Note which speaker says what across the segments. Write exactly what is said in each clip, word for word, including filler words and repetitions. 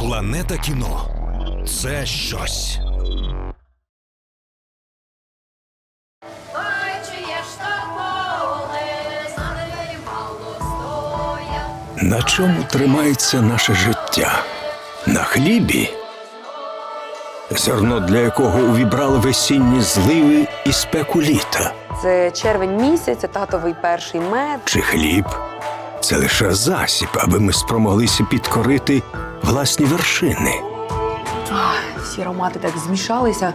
Speaker 1: Планета кіно – це щось.
Speaker 2: На чому тримається наше життя? На хлібі? Зерно, для якого увібрали весінні зливи і спеку літа.
Speaker 3: Це червень місяць, це татовий перший мед.
Speaker 2: Чи хліб? Це лише засіб, аби ми спромоглися підкорити власні вершини.
Speaker 3: Ах, всі аромати так змішалися.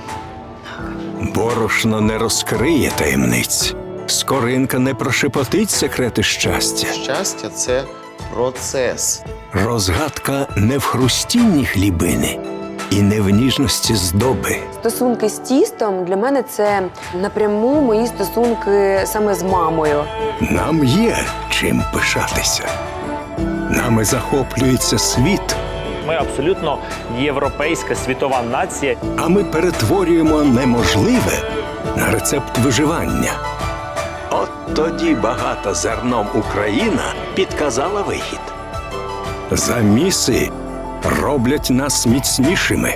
Speaker 2: Борошно не розкриє таємниць. Скоринка не прошепотить секрети щастя.
Speaker 4: Щастя – це процес.
Speaker 2: Розгадка не в хрустінні хлібини і не в ніжності здоби.
Speaker 3: Стосунки з тістом для мене це напряму мої стосунки саме з мамою.
Speaker 2: Нам є чим пишатися. Нами захоплюється світ,
Speaker 5: Ми абсолютно європейська світова нація.
Speaker 2: а ми перетворюємо неможливе на рецепт виживання. От тоді багата зерном Україна підказала вихід. Заміси роблять нас міцнішими.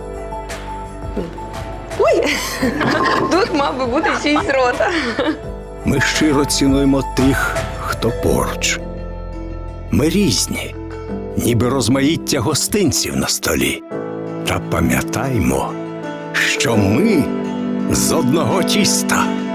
Speaker 3: Ой, тут мав би бути чийсь рота.
Speaker 2: Ми щиро цінуємо тих, хто поруч. Ми різні, ніби розмаїття гостинців на столі. Та пам'ятаймо, що ми з одного тіста.